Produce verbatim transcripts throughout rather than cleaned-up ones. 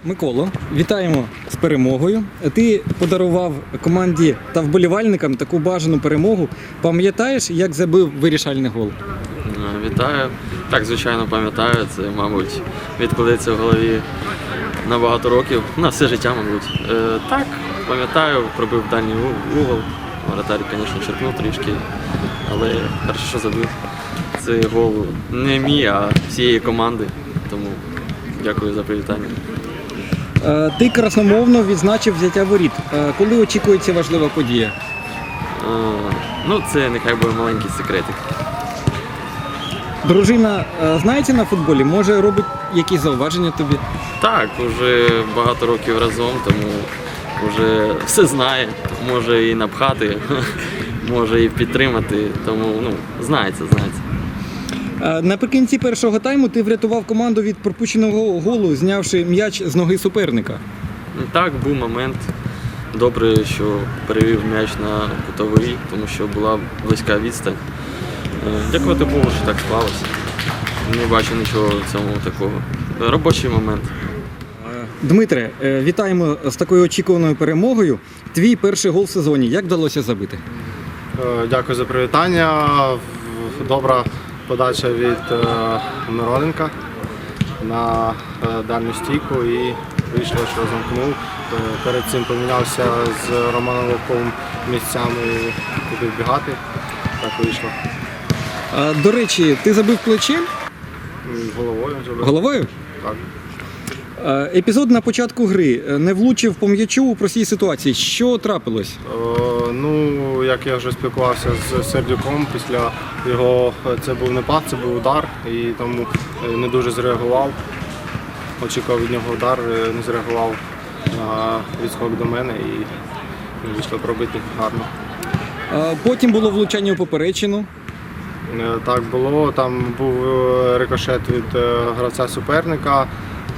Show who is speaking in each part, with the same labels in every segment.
Speaker 1: Миколо, вітаємо з перемогою. Ти подарував команді та вболівальникам таку бажану перемогу. Пам'ятаєш, як забив вирішальний гол?
Speaker 2: Вітаю. Так, звичайно, пам'ятаю. Це, мабуть, відкладеться в голові на багато років, на все життя, мабуть. Е, так, пам'ятаю, пробив дальній угол. Воротар, звісно, черкнув трішки, але перше, що забив, це гол не мій, а всієї команди. Тому дякую за привітання.
Speaker 1: Ти красномовно відзначив взяття воріт. Коли очікується важлива подія?
Speaker 2: Е, ну, це нехай буде маленький секретик.
Speaker 1: Дружина знається на футболі? Може, робить якісь зауваження тобі?
Speaker 2: Так, вже багато років разом, тому вже все знає. Може і напхати, може і підтримати, тому ну, знається, знається.
Speaker 1: Наприкінці першого тайму ти врятував команду від пропущеного голу, знявши м'яч з ноги суперника.
Speaker 2: Так, був момент. Добре, що перевів м'яч на кутовий, тому що була близька відстань. Дякувати Богу, що так склалося. Не бачу нічого в цьому такого. Робочий момент.
Speaker 1: Дмитре, вітаємо з такою очікуваною перемогою. Твій перший гол в сезоні. Як вдалося забити?
Speaker 3: Дякую за привітання. Добра подача від Мироненка на дальню стійку і вийшло, що замкнув. Перед цим помінявся з Романом Левковим місцями, куди вбігати. Так вийшло.
Speaker 1: До речі, ти забив плечем?
Speaker 3: Головою забив.
Speaker 1: Головою?
Speaker 3: Так.
Speaker 1: Епізод на початку гри. Не влучив по м'ячу у простій ситуації. Що трапилось?
Speaker 3: О, ну, як я вже спілкувався з Сердюком, після його, це був не пас, це був удар, і тому не дуже зреагував. Очікував від нього удар, не зреагував на відскок до мене і вийшло пробити гарно.
Speaker 1: Потім було влучання у поперечину.
Speaker 3: Так було, там був рикошет від гравця суперника.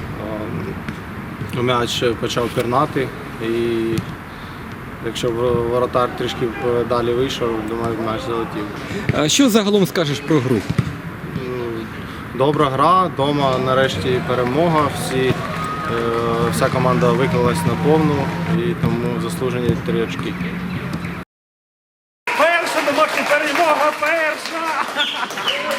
Speaker 3: М'яч почав пірнати, і якщо воротар трішки далі вийшов, думаю, м'яч залетів.
Speaker 1: А що загалом скажеш про гру?
Speaker 3: Добра гра, вдома нарешті перемога, всі, вся команда виклалась на повну і тому заслужені три очки.